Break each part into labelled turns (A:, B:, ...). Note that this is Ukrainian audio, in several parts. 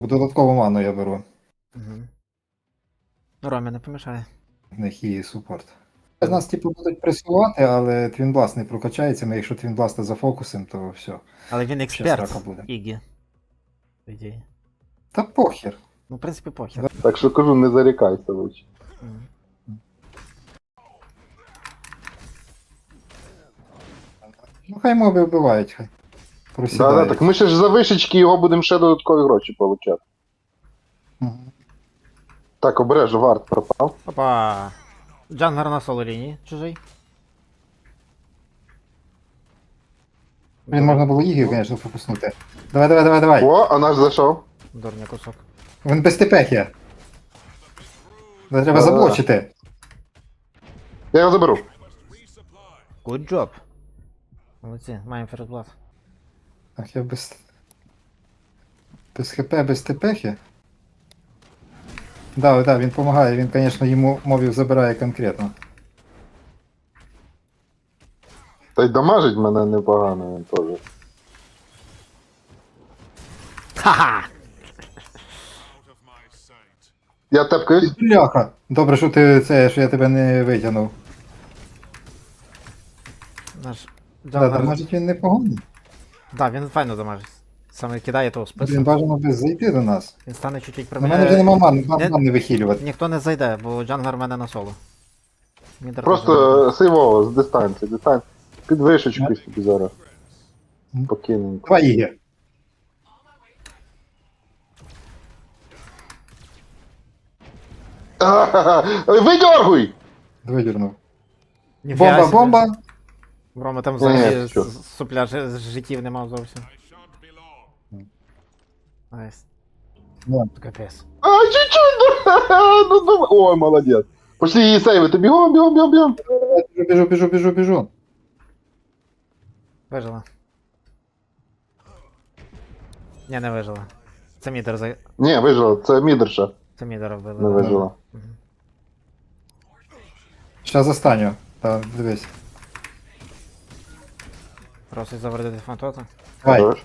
A: Додаткову ману я беру.
B: Угу. Ромі не помішає.
A: В них і супорт. З нас, типу, будуть пресувати, але Твінбласт не прокачається. Ми якщо Твінбласта зафокусимо, то все.
B: Але він
A: Ще срака
B: експерт,
A: буде.
B: Ігі. По ідеї.
A: Та похер.
B: Ну, в принципі, похер.
C: Так що кажу, не зарікайся лучше.
B: Мгм.
A: Ну хай моби вбивають, хай.
C: Да,
A: Просідають.
C: так ми ще ж за вишечки його будемо ще додаткові гроші получати.
A: Мгм.
C: Так, обережно, варт пропав.
B: Опа! Джангар на соло лінії, чужий.
A: Блін, можна було Ігі, звісно, фокуснути. Давай, давай, давай, давай.
C: О, а наш зайшов.
B: Дурня кусок.
A: Він без тепехи. Треба
C: Да-да-да.
A: заблочити.
C: Я його заберу.
B: Good job. Молодці, маємо ферзблат.
A: Ах, я без... Без ХП, без тепехи. Да, да, він допомагає, він, звісно, йому мовів забирає конкретно.
C: Та й дамажить мене непогано він теж.
B: Ха-ха!
C: Я тепкаюсь.
A: Бляха! Добре, що ти це, що я тебе не витягнув.
B: Наш
A: Да,
B: Джангар...
A: дамажить він непоганий.
B: Да, він файно дамажить. Саме кидає того
A: Він
B: спису.
A: бажано би зайти до нас.
B: Він стане чуть-чуть
A: На мене вже нема ман не вихилювати.
B: Ніхто не зайде, бо Джангар в мене на соло. Мідер теж
C: Просто сейвово, з дистанції, Під вишечкою собі зараз. Спокійненько.
A: Два Іги.
C: Видергуй!
A: Видірнув.
B: Ніфіга
A: Бомба,
B: собі.
A: бомба!
B: Рома там взагалі
C: Ні, що?
B: супля життів не мав зовсім. Найс.
A: Да.
B: Капець.
C: А, чуть-чуть! Ну, ой, молодець. Пошли її сейвити, бігом, бігом, бігом, бігом.
A: Біжу.
B: Вижила. Ні, не вижила. Це мідер за...
C: Ні, вижила, це мідерша,
B: Це мідера вбили.
C: не вижила.
B: Мгм.
A: Щас застаню. Та, дивись.
B: Просить завердити фантота.
A: Давай.
C: Хорош.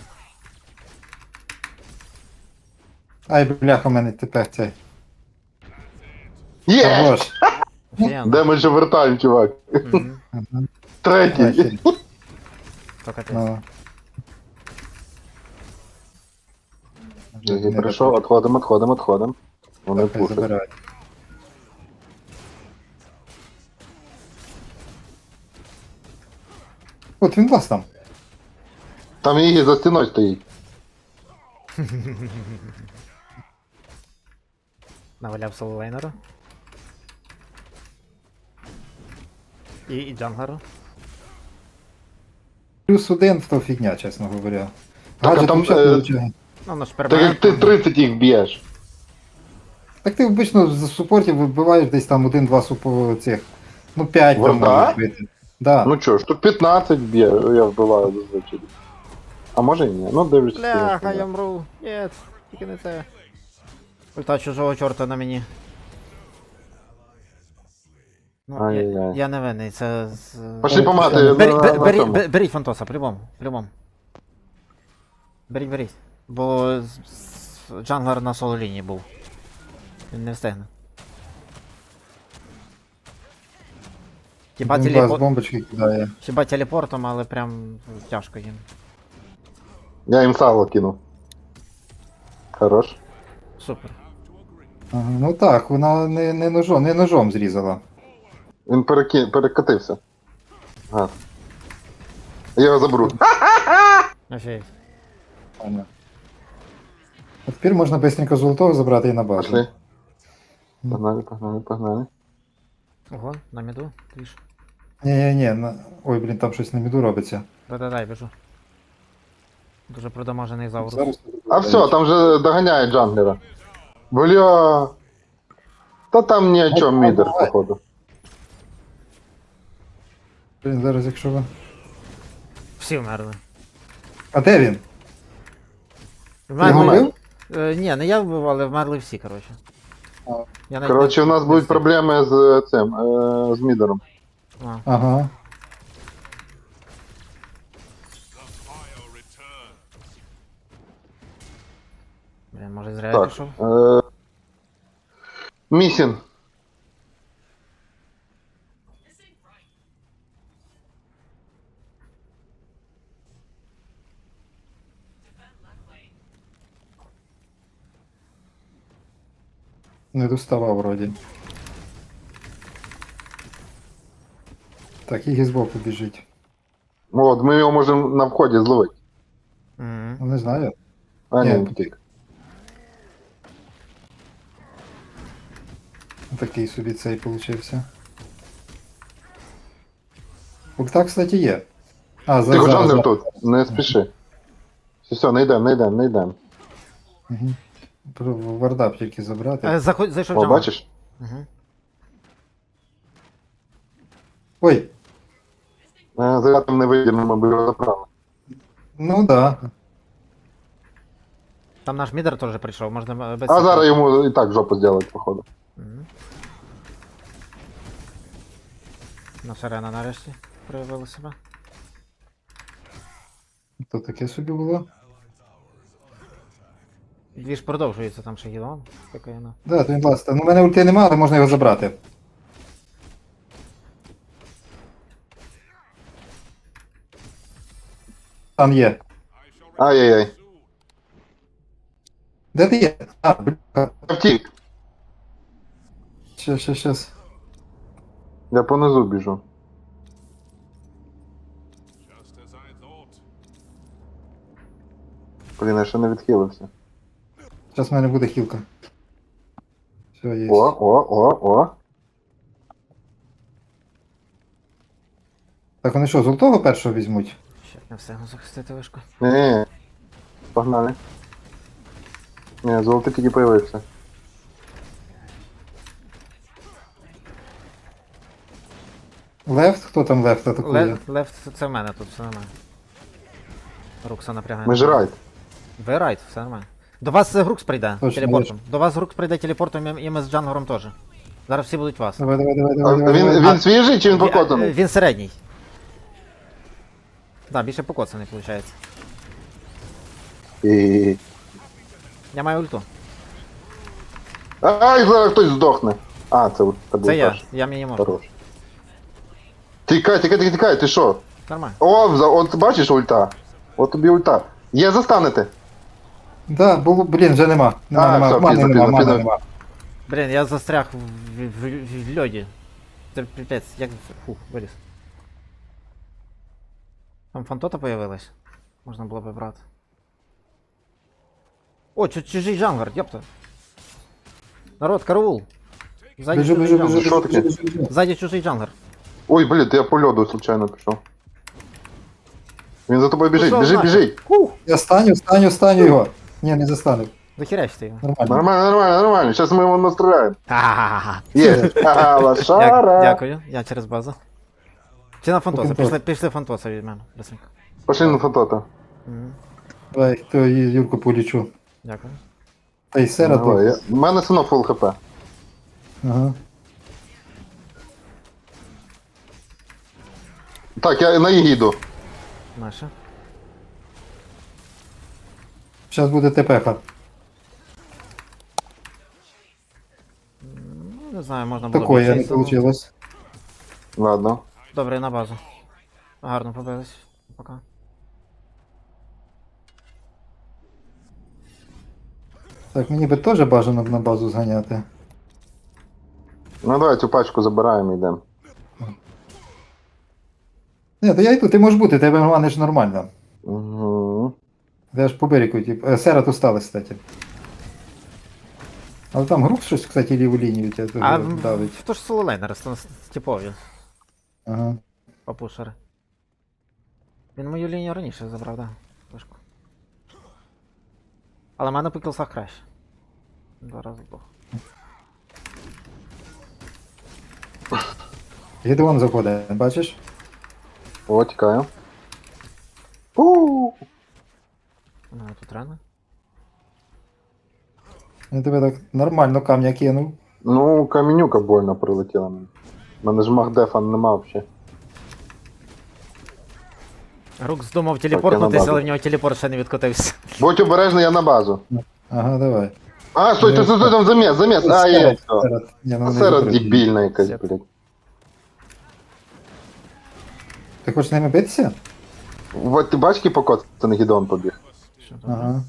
A: Ай, бляха, у мене тепер цей.
C: Є!
A: Хорош.
B: Офігенно.
C: Де ми ще вертаємо, чувак?
B: Мгм.
A: Ага.
C: Третій.
A: Нахер.
B: То капець.
A: Ну.
C: Я прийшов, отходимо. Вони
A: Так, хай
C: пушать.
A: забирають. От він вас там.
C: Там її за стіною стоїть.
B: Наваляв соло лейнеру. І Джангару.
A: Плюс один в то фігня, чесно говоря.
C: Так, а
A: Гаджет
C: там,
A: взагалі получає.
B: Ну, воно ж
C: Так як ти
B: перманентно.
C: 30 їх б'єш.
A: Так ти обично з супортів вибиваєш десь там один-два цих. Ну 5 там
C: Варда?
A: можеш бити. Да.
C: Ну чо, штук 15 б'є, я вбиваю зазвичай. А може і ні, ну дивлюсь.
B: Бляха, я мру. Єт, тільки не це. Ульта чужого чорта на мені. Ну,
C: Ай-яй-яй.
B: я не винний, це з...
C: Пошли помати.
B: Беріть Фантоса, по-любому, по-любому. Беріть. Бо Джанглер на соло лінії був. Він не встигне. Хіба,
A: Він вас бомбочки кидає.
B: Хіба телепортом, але прям тяжко їм.
C: Я їм сало кинув. Хорош.
B: Супер.
A: Ага, ну так, вона не ножом зрізала.
C: Він перекатився. Гад. Я його заберу.
B: Офігеть.
A: Ладно. А тепер можна быстренько золотого забрати і на базу.
C: Пошли. Погнали.
B: Ого, на міду, тріш.
A: Ні. Ой, блін, там щось на міду робиться.
B: Да-да-да, біжу. Дуже продамажений заурус.
A: Зараз...
C: А все, там же доганяє джанглера. Бля. Та там ні о чому мідер, походу.
A: Блін, зараз якщо ви...
B: Всі вмерли.
A: А де він?
B: Вмерли...
A: вбив?
B: Ні, не я вбив, але вмерли всі, коротше.
A: А.
B: Я навіть
C: Коротше, у нас
B: не
C: будуть
B: встиг.
C: проблеми з цим, з мідером.
B: А.
A: Ага.
B: Блін, може зря я
C: Так.
B: пішов?
C: Місін.
A: Не доставав вроді. Так, і збоку біжить.
C: От, ми його можемо на вході зловити.
B: Мгм.
A: Ну, не знаю.
C: А,
A: Ні.
C: ні, потік.
A: Такий собі цей получився. Ульта, кстати, є. А,
C: Тихо,
A: зараз.
C: Джангер тут, не спіши. Все, не йдем, не йдем, не йдем.
A: Угу. Вардап тільки забрати.
B: Зайшов
C: О,
B: джангл.
C: бачиш?
B: Угу.
A: Ой,
C: Заряд там не вийдемо, ми б його забрали.
A: ну да.
B: Там наш мідер теж прийшов, можна без...
C: А зараз йому і так жопу зробить, походу.
B: Мгм. Наша Рена нарешті проявила себе.
A: То таке собі було.
B: Двіж продовжується, там ще гілон. Спокійно.
A: Да, то він власне. Ну, в мене ульти немає, але можна його забрати. Там є.
C: Ай-яй-яй.
A: Де ти є? А, бля.
C: Я втік.
A: Щас.
C: Я понизу біжу. Блін, я ще не відхилився.
A: Зараз в мене буде хілка. Все, є.
C: О.
A: Так вони що, золотого першого візьмуть?
B: Ще не встигну захистити вишку.
C: Ні. Погнали. Ні, золотий тільки появився.
A: Лефт? Хто там лефт атакує?
B: Лефт це в мене тут, все нормально. Рукса напрягає.
C: Ми ж райд.
B: Ви райт, все нормально. До вас Грукс прийде
A: Точно,
B: телепортом. До вас Грукс прийде телепортом і ми з Джангором теж. Зараз всі будуть вас.
A: Давай.
C: А він свіжий чи він
B: Він
C: покотаний?
B: він середній. Да, більше покоцаний, виходить.
C: І...
B: Я маю ульту.
C: Ай, зараз хтось здохне. А, це був
B: Це я,
C: перший.
B: я мені можу.
C: Хорош. Тікай, ти що?
B: Нормально.
C: От бачиш ульта? От тобі ульта. Є, застанете.
A: Да, було, блін, вже нема. Нема.
C: все,
A: Мани
C: пізно.
A: нема.
B: Блін, я застряг в льоді. Це піпець, як це? Фух, виліз. Там фантота появилась. Можна було б брати. О, чужий джангар, ёпта. Народ, караул. Ззаді
A: Біжу.
B: чужий джангар.
C: Що таке?
B: Ззаді чужий джангар.
C: Ой, блін, я по льоду случайно пішов. Він за тобою біжить,
B: Пішов нахер.
C: біжить.
B: Фух,
A: Я станю його. Ні, не застану.
B: захерячте його.
A: Нормально.
C: Нормально. Зараз ми його настріляємо.
B: Ха-ха-ха.
C: Є. Ага, лошара.
B: Дякую, я через базу. Чи на фантоса?
A: Фантоса.
B: Пішли фантоса від мене. Быстренько.
C: Пошли на фотота.
B: Мгм.
A: Давай, то Юрку полічу.
B: Дякую.
A: Та й сера
C: Давай,
A: тут.
C: У мене синок фул хп.
A: Ага.
C: Так, я на Ігіду.
B: Наша.
A: Зараз буде ТПХ.
B: Ну, не знаю, можна було
A: Такое
B: більше
A: не
B: силу.
A: вийшло.
C: Ладно.
B: Добре, на базу. Гарно побились. Пока.
A: Так, мені би теж бажано б на базу зганяти.
C: Ну давай цю пачку забираємо і йдемо.
A: Ні, то я йду, ти можеш бути, тебе мани ж нормально.
C: Угу.
A: Я ж по берегу, тип. Сера тут стали, кстати. Але там груп щось, кстати, ліву лінію тебе
B: А
A: дуже давить.
B: то ж сололейнери, типові
A: Ага.
B: попушери. Він мою лінію раніше забрав, да. Вишку. Але в мене по кілсах краще. 2 рази здох.
A: Гідеон заходить, бачиш?
C: О, тікаю.
B: У мене тут рани.
A: Я тебе так нормально камня кинув.
C: Ну, каменюка больно прилетіла мені. У мене ж магдефа нема взагалі.
B: Рук здумав телепортнутися,
C: базу.
B: але в нього телепорт ще не відкотився.
C: Будь обережний, я на базу.
A: Ага, давай.
C: А, стой, там замес. А, є, все.
A: Ні, ну,
C: А
A: не
C: Сера
A: добре.
C: дебільна якась,
B: Сет.
C: блядь.
A: Ти хочеш з ними битися?
C: Вот ти бачки покоцаний гідон побіг.
B: Що там?
A: Ага.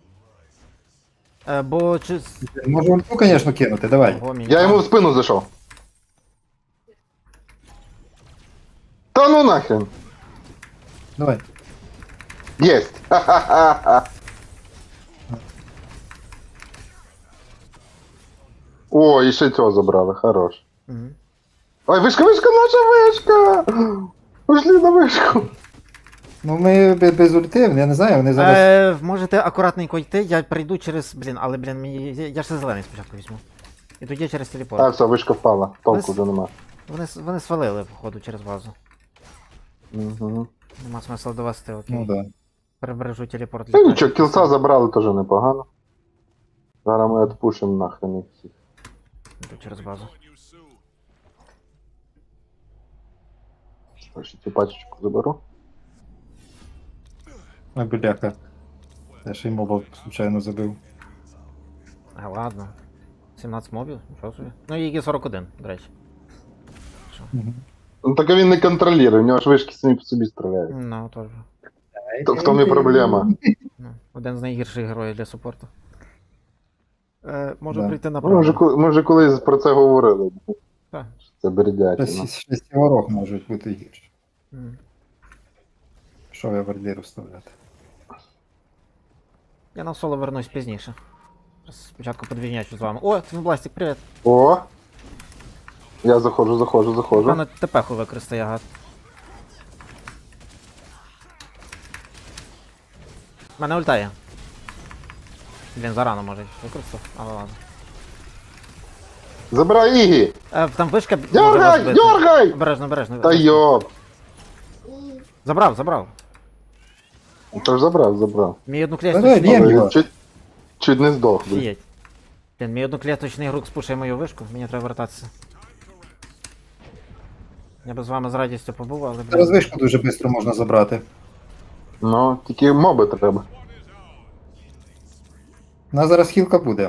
B: Бо чи...
A: Можу ульту, звісно, кинути, давай.
B: Ого, мені
C: Я йому
B: там-
C: в спину зайшов. Та ну нахрен.
A: Давай.
C: Єсть. Ха-ха-ха. О, і ще цього забрали, хорош.
B: Мгм.
C: Ой, вишка, наша вишка! Пошли на вишку.
A: Ну ми без ульти, я не знаю, вони зараз.
B: Можете акуратненько йти, я прийду через. Блін, але блін, мені. Я ж зелений спочатку візьму. І тоді через телепорт.
C: А, все, вишка впала. Толку
B: Вис-
C: вже нема.
B: Вони свалили, походу, через базу.
C: Угу.
B: Нема смисла довести, окей.
A: Ну да.
B: Перебережу телепорт.
C: Та нічого, кілса забрали теж непогано. Зараз ми відпушимо нахрен їх всіх.
B: Йду через базу.
C: Ще цю пачечку заберу.
A: Ой, бляха. Я ще й моба случайно забив.
B: А ладно. 17 мобів, нічого собі. Ну і 41, до речі. Що?
A: Мгм.
C: Ну так він не контролює, у нього ж вишки самі по собі стріляють.
B: Ну, теж.
C: В тому і проблема.
B: Ну, один з найгірших героїв для супорту. Можу
A: Да.
B: прийти на
C: Ми вже колись про це говорили.
B: Так.
C: Це бердятина.
A: Шестіворог можуть бути гірші.
B: Мгм.
A: Що я вардіру вставляти?
B: Я на соло вернусь пізніше. Спочатку подвійнячу з вами. О, Твінбластик, привіт!
C: О! Я заходжу.
B: Певно, ТП-ху використає гад. Мене ультає. Блін, зарано може використав, але ладно.
C: Забирай Ігі!
B: Там вишка може
C: Дергай!
B: розбити.
C: Дергай!
B: Обережно.
C: Та йоп!
B: Забрав.
C: Та ж забрав.
B: Мій
A: Давай,
B: одноклеточний...
A: б'єм
C: Але
A: його.
C: він чуть не здох. блін.
B: Фієть. Блін, мій одноклеточний грук спушує мою вишку, мені треба вертатися. Я би з вами з радістю побув, але
A: Зараз вишку дуже швидко можна забрати.
C: Ну, тільки моби треба.
A: У нас зараз хілка буде.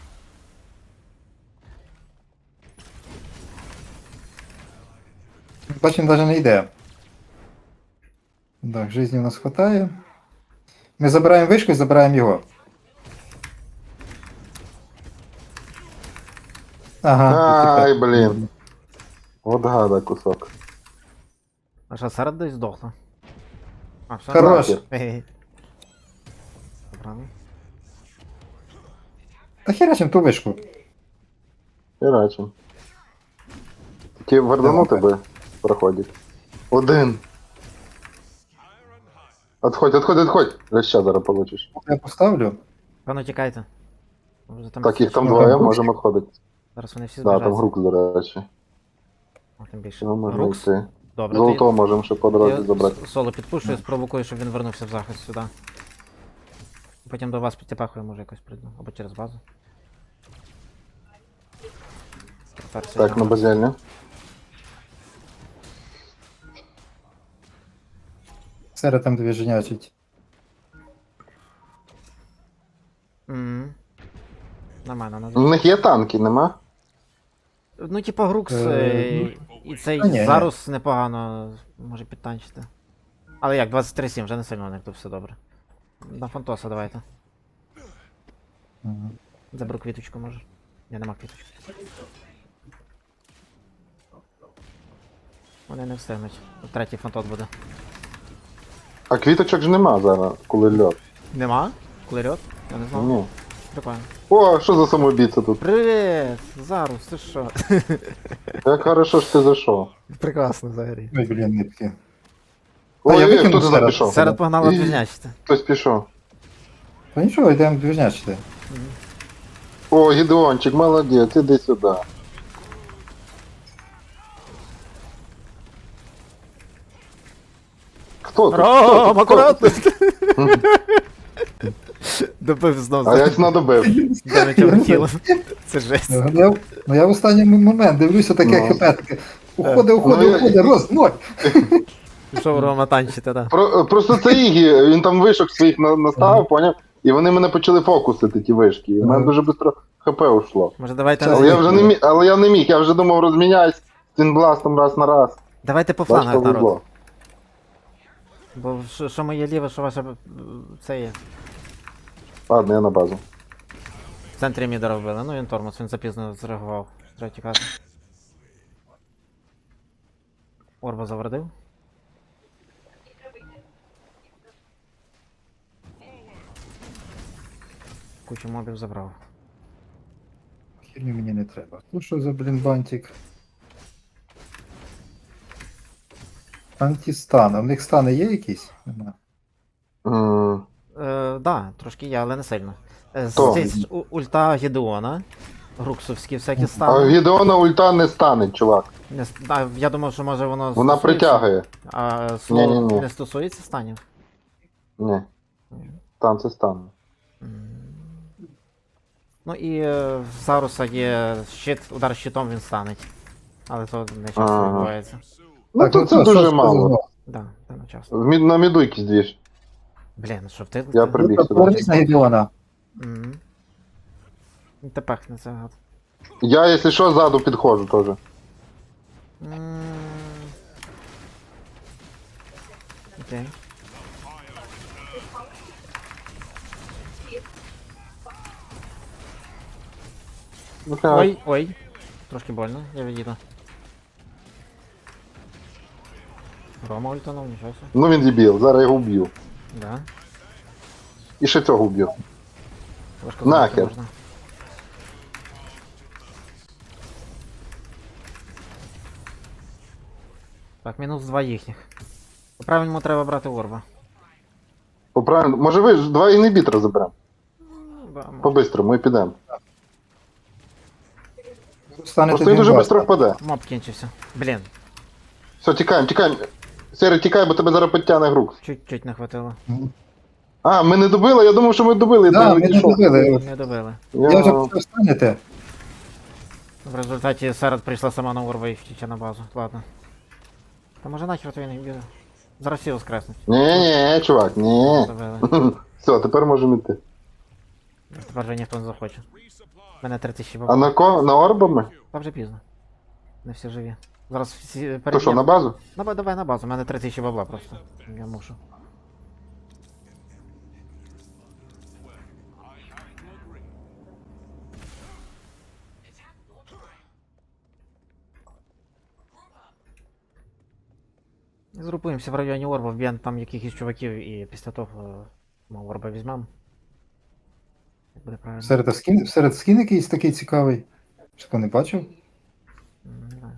A: Бачимо, навіть не йде. Так, житті у нас хватає. Ми забираємо вишку і забираємо його. Ага.
C: Ай,
A: тепер.
C: блін. От гада кусок.
B: А що, серед десь здохла? А, все.
A: Хорош.
B: Хе-хе. Забрали.
A: Та херачим ту вишку.
C: Херачим. Тільки варданути би проходить. Один. Отходь. Реща зараз получиш.
A: Я поставлю.
B: Певно, тікайте. Вже там
C: Так, їх там
A: Ну,
C: двоє,
A: там
C: можемо відходити.
B: Зараз вони всі
C: Да, там
B: збіжаться.
C: грук, до речі.
B: О, тим більше.
C: Ну, можна
B: Грукс?
C: йти.
B: Добре,
C: Золото можемо ще по дорозі
B: я
C: забрати.
B: соло підпушую, спровокую, щоб він вернувся в захист сюди. Потім до вас підтепахую, може якось прийду. Або через базу.
C: Так, на базельні.
A: Серед там дві женячить.
B: Нормально,
C: У них є танки, нема?
B: Ну, типа Грукс і цей
A: та ні,
B: Зарус непогано може підтанчити. Але як, 23-7, вже не сильно у них тут все добре. На Фантоса давайте.
A: Ага.
B: Заберу квіточку, може. Я нема квіточки. Вони не встигнуть. Третій фантот буде.
C: А квіточок ж нема зараз, коли льот.
B: Нема? Клерьот? Я не знав.
C: Ні.
B: Прикольно.
C: О, що за самоубійця тут?
B: Привіт! Зарус, ти що?
C: Як хорошо ж ти зайшов.
B: Прекрасно взагалі.
A: Ой, блін, нитки. я
C: Ой,
A: викинув
C: хто туди
A: серед.
C: пішов?
B: Серед погнала
C: І-
B: двіжнячити.
C: Хтось пішов.
A: Та нічого, йдемо двіжнячити.
C: О, Гідеончик, молодець, іди сюди. Хто тут?
B: Ром,
C: Хто
B: акуратно!
C: тут?
B: Добив знов
C: А я ж надобив.
B: Дамage тіло. Це жесть.
A: Ну я в останній момент дивлюся таке
C: Ну.
A: хп, таке. Уходи,
C: Ну,
A: роз, ноль.
B: Пішов Рома танчити, так.
C: Просто це Ігі, він там вишок своїх наставив, поняв? і вони мене почали фокусити, ті вишки. І в мене дуже швидко ХП ушло.
B: Може давайте.
A: Це
C: Але я вже не міг, але я не міг, я вже думав розміняюсь з Твінбластом раз на раз.
B: Давайте по
C: Бачите,
B: флангах, народ.
C: везло.
B: Бо що моє ліве, що ваше це є.
C: Ладно, я на базу.
B: В центрі міда робили. Ну він тормоз, він запізно зреагував. Треба тікати. Орба завредив. Кучу мобів забрав.
A: Херню мені не треба. Ну що за, блін, бантик? Антистан. А в них стани є якісь? Нема.
C: М,
B: Да, трошки є, але не сильно.
C: То.
B: Ульта Гедеона. Груксовські всякі
C: А
B: стани.
C: Гідеона ульта не стане, чувак.
B: Я думав, що може воно
C: Вона
B: стосується,
C: притягує.
B: А слово
C: Ні-ні-ні.
B: не стосується станів.
C: Ні. Стан це стане.
B: Ну і в Заруса є щит, удар щитом він станеть. Але то не часто
C: Ага.
B: відбувається.
C: Ну то це
A: що,
C: дуже
A: що
C: мало.
A: сказано?
B: Да, це не часто.
C: На міду якийсь двіж.
B: Блін, що ти?
C: Я
B: ти-
C: прибіг
A: Ну,
C: сюди.
A: повернись на Гедеона.
B: Мгм. Ти пехне це гад.
C: Я, якщо що, ззаду підходжу теж.
B: М. Окей.
C: Ну, так.
B: Ой, ой. Трошки больно, я відійду. Рома ультанув, нічого собі.
C: Ну він дебіл, зараз я його вб'ю.
B: Да.
C: І ще цього вб'ю.
B: Важко
C: Нахер.
B: зробити можна. Так, мінус 2 їхніх. По-правильному треба брати орба.
C: Поправильно. Може ви ж два інгібітора заберемо?
B: Да, може.
C: По-бистрому і підемо.
A: Станете
C: Просто він дуже
A: Твінбласта.
C: швидко впаде.
B: Моб кінчився. Блін,
C: Все, тікаємо, тікаємо. Сері, тікай, бо тебе зараз підтягне грук.
B: чуть-чуть не хватило.
C: А, ми не добили? Я думав, що ми добили.
A: Да,
C: то
A: ми не
C: відійшов.
A: добили.
B: Не добили.
A: Я вже почав станете.
B: В результаті Серед прийшла сама на орба і втіче на базу. Ладно. Та може нахер то він їх б'є. Зараз всі воскреснуть.
C: Ні, чувак, ні.
B: Добили.
C: Все, тепер можемо йти.
B: Тепер вже ніхто не захоче. У мене 3000
C: А
B: бабок.
C: на ко? На орбами?
B: Та вже пізно. Не всі живі. Зараз всі
C: То що, на базу?
B: Давай на базу, у мене 3000 бабла просто. Я мушу. Згрупуємося в районі Орба, вб'ємо там якихось чуваків і після того ми Орба візьмемо. Як буде правильно?
A: Серед скін якийсь такий цікавий. Що не бачив?
B: Не знаю.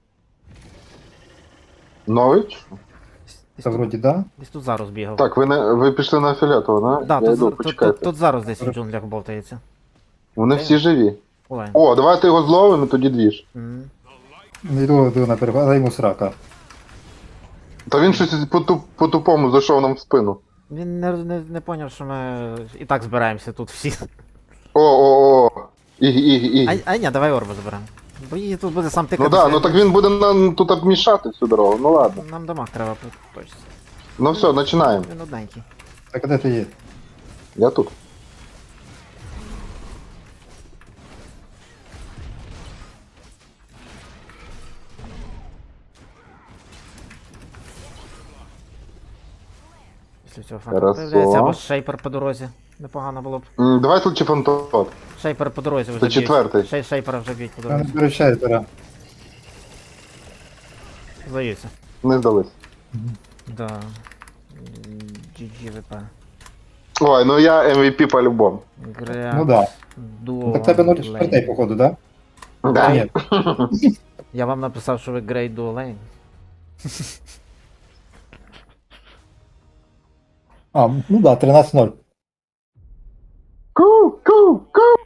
C: Нович?
B: Десь
A: Та
B: тут-
A: вроді да.
B: Десь тут зараз бігав.
C: Так, ви пішли на фіолетово, да?
B: Да,
C: Я
B: тут,
C: йду,
B: тут,
C: почекайте.
B: тут зараз десь в джунглях болтається.
C: Вони всі живі.
B: Олень.
C: О, давайте його зловимо, і тоді двіж.
A: Йду на перегляд, дай йому срака.
C: Та він щось по-тупому зайшов нам в спину.
B: Він не поняв, що ми і так збираємося тут всі.
C: О. Іг.
B: А ні, давай Орба заберемо. Бо її тут буде сам
C: Ну
B: тикати.
C: да, ну так він буде нам тут обмішати всю дорогу, ну ладно.
B: Нам дамаг треба точно.
C: Ну все, починаємо.
B: Він одненький.
A: Так, а де ти є?
C: Я тут.
B: Після цього фантом
C: Хорошо.
B: появляється, або шейпер по дорозі. Непогано було б.
C: Давай тут чи фантот.
B: Шейпер по дорозі вже
C: Це
B: б'ють.
C: четвертий.
B: Шейпера вже б'ють по
A: Я не
B: дорозі.
A: беру шайпера.
B: Здаються.
C: Не здались.
B: Да. GG ВП.
C: Ой, ну я MVP по-любому.
B: Гря.
A: Ну да.
B: Дуо.
A: Так тебе 0,4 походу, да?
C: Да.
A: Ні.
B: Я вам написав, що ви Great Duo Lane.
A: А, ну да, 13-0.
C: Ку.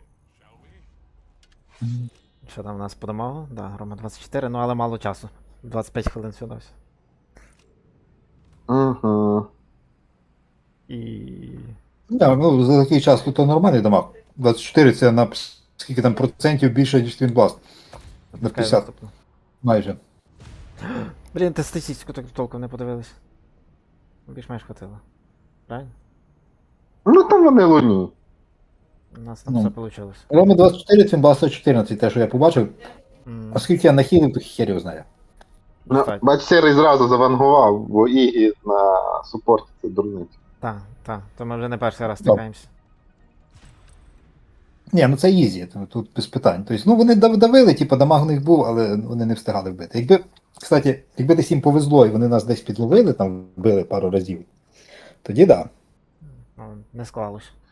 B: Що там у нас по дамагу? Да, Рома 24, ну але мало часу. 25 хвилин сюди.
C: Угу.
B: І.
A: Да, ну, за такий час тут нормальний дамаг. 24 це на скільки там процентів більше, ніж Твінбласт. На
B: Чекай
A: 50
B: наступну.
A: майже.
B: Блін, ти статистику так толком не подивились. Більш-менш хватило. Правильно?
C: Ну там вони луні.
B: У нас там
A: Ну.
B: все вийшло.
A: Рома 24, Цимбас 114, те, що я побачив. Оскільки я нахилив, то хер його знає.
C: Ну,
B: Достатньо.
C: бач, Сірий зразу завангував, бо Ігі на супорті це дурниця.
B: Так, то ми вже не перший раз
A: Ну.
B: стикаємося.
A: Ні, ну це ізі, тут без питань. Тобто, ну вони давили, типу, дамаг у них був, але вони не встигали вбити. Якби десь їм повезло і вони нас десь підловили, там вбили пару разів, тоді да.
B: Ну, не склалось.